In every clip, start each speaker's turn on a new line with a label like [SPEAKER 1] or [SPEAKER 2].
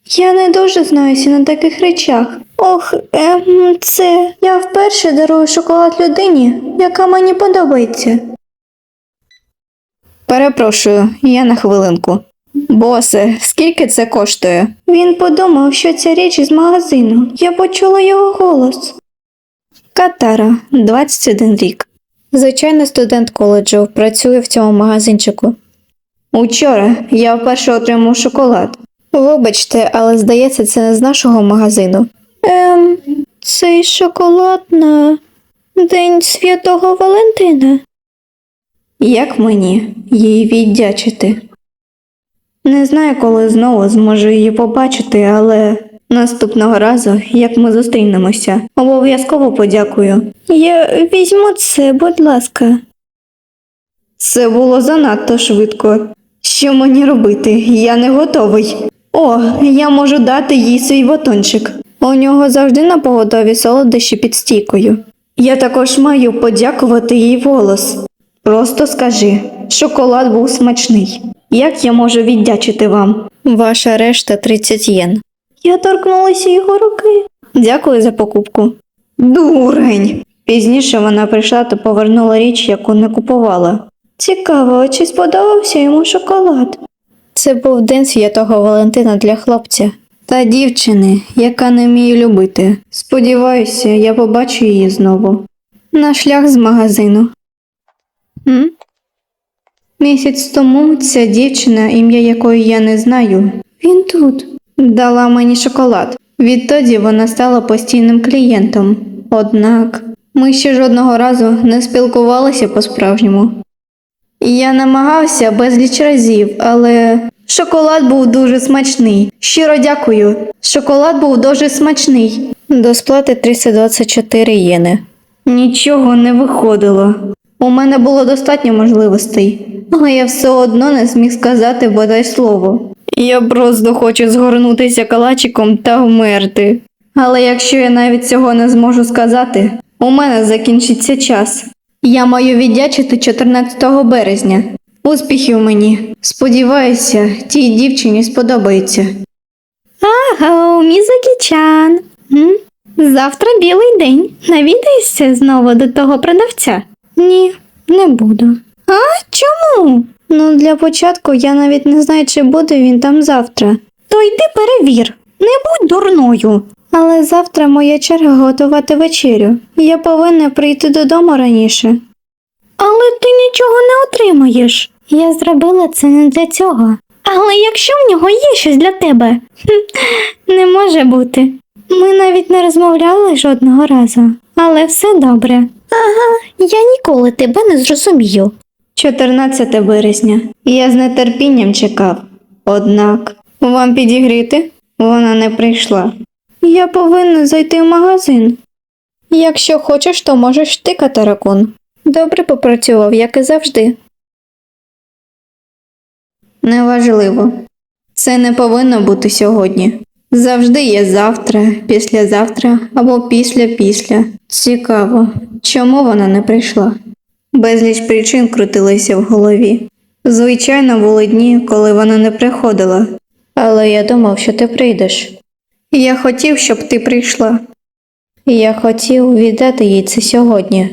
[SPEAKER 1] Я не дуже знаюся на таких речах. Ох, це я вперше дарую шоколад людині, яка мені подобається. Перепрошую, я на хвилинку. Босе, скільки це коштує? Він подумав, що ця річ із магазину. Я почула його голос. Катара, 21 рік. Звичайний студент коледжу, працює в цьому магазинчику. Учора я вперше отримав шоколад. Вибачте, але здається, це не з нашого магазину. Цей шоколад на День Святого Валентина. Як мені їй віддячити? Не знаю, коли знову зможу її побачити, але наступного разу, як ми зустрінемося, обов'язково подякую. Я візьму це, будь ласка. Це було занадто швидко. Що мені робити? Я не готовий. О, я можу дати їй свій батончик. У нього завжди напоготові солодощі під стійкою. Я також маю подякувати їй вголос. Просто скажи, шоколад був смачний. Як я можу віддячити вам? Ваша решта 30 єн. Я торкнулася його руки. Дякую за покупку. Дурень! Пізніше вона прийшла та повернула річ, яку не купувала. Цікаво, чи сподобався йому шоколад? Це був День Святого Валентина для хлопця та дівчини, яка не вміє любити. Сподіваюся, я побачу її знову. На шлях з магазину. Місяць тому ця дівчина, ім'я якої я не знаю, він тут, дала мені шоколад. Відтоді вона стала постійним клієнтом. Однак ми ще жодного разу не спілкувалися по-справжньому. Я намагався безліч разів, але шоколад був дуже смачний. Щиро дякую. Шоколад був дуже смачний. До сплати 324 єни. Нічого не виходило. У мене було достатньо можливостей, але я все одно не зміг сказати бодай слово. Я просто хочу згорнутися калачиком та вмерти. Але якщо я навіть цього не зможу сказати, у мене закінчиться час. Я маю віддячити 14 березня. Успіхів мені. Сподіваюся, тій дівчині сподобається. Аго, Мізукі-чан. Завтра білий день. Навідаєшся знову до того продавця? Ні, не буду. А? Чому? Ну, для початку я навіть не знаю, чи буде він там завтра. То йди перевір. Не будь дурною. Але завтра моя черга готувати вечерю. Я повинна прийти додому раніше. Але ти нічого не отримаєш. Я зробила це не для цього. Але якщо в нього є щось для тебе? Не може бути. Ми навіть не розмовляли жодного разу. Але все добре. Ага, я ніколи тебе не зрозумію. 14 березня. Я з нетерпінням чекав. Однак, вам підігріти? Вона не прийшла. Я повинна зайти в магазин. Якщо хочеш, то можеш ти, Катара-кун. Добре попрацював, як і завжди. Неважливо. Це не повинно бути сьогодні. Завжди є завтра, післязавтра або після-після. Цікаво, чому вона не прийшла? Безліч причин крутилися в голові. Звичайно, були дні, коли вона не приходила. Але я думав, що ти прийдеш. Я хотів, щоб ти прийшла. Я хотів віддати їй це сьогодні.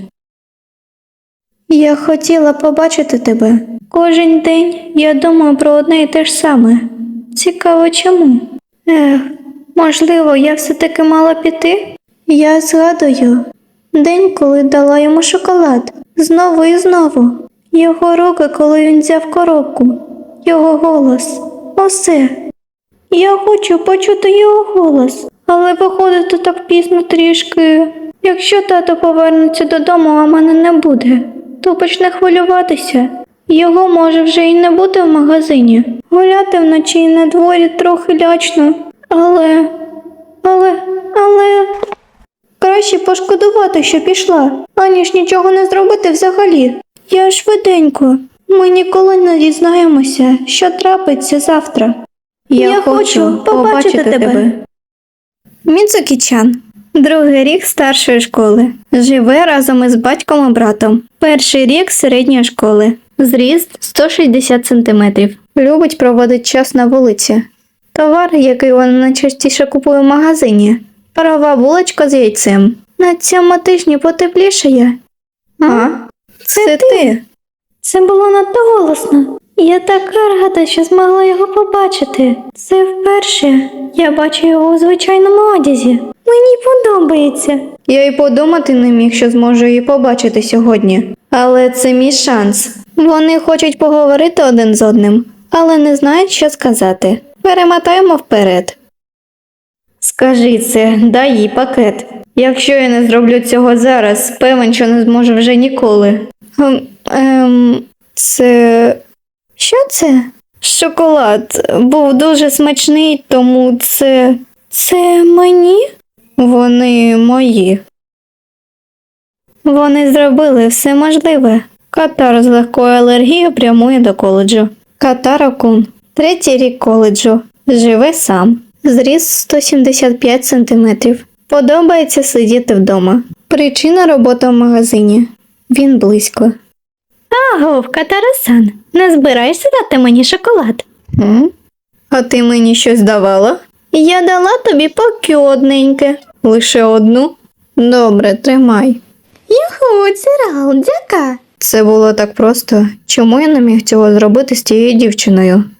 [SPEAKER 1] Я хотіла побачити тебе. Кожен день я думаю про одне і те ж саме. Цікаво, чому? Можливо, я все-таки мала піти? Я згадую день, коли дала йому шоколад. Знову і знову. Його руки, коли він взяв коробку. Його голос. Усе. Я хочу почути його голос. Але виходить так пізно трішки. Якщо тато повернеться додому, а мене не буде, то почне хвилюватися. Його може вже і не бути в магазині. Гуляти вночі і на дворі трохи лячно. Але... Краще пошкодувати, що пішла, аніж нічого не зробити взагалі. Я швиденько. Ми ніколи не дізнаємося, що трапиться завтра. Я хочу побачити тебе. Мідзукі-чан. 2-й рік старшої школи. Живе разом із батьком і братом. 1-й рік середньої школи. Зріст 160 см. Любить проводити час на вулиці. Товар, який вона найчастіше купує в магазині. Парова булочка з яйцем. На цьому тижні потеплішає. А? Це ти? Це було надто голосно. Я така рада, що змогла його побачити. Це вперше. Я бачу його у звичайному одязі. Мені подобається. Я й подумати не міг, що зможу її побачити сьогодні. Але це мій шанс. Вони хочуть поговорити один з одним, але не знають, що сказати. Перемотаємо вперед. Скажи це, дай їй пакет. Якщо я не зроблю цього зараз, певен, що не зможу вже ніколи. Це... Що це? Шоколад. Був дуже смачний, тому це... Це мені? Вони мої. Вони зробили все можливе. Катар з легкою алергією прямує до коледжу. Катаро-кун. 3-й рік коледжу. Живе сам. Зріст 175 см. Подобається сидіти вдома. Причина роботи в магазині. Він близько. Агов, Катаро-сан, не збираєшся дати мені шоколад? А ти мені щось давала? Я дала тобі поки одненьке. Лише одну? Добре, тримай. Юху, Цирал, дяка. Це було так просто. Чому я не міг цього зробити з тією дівчиною?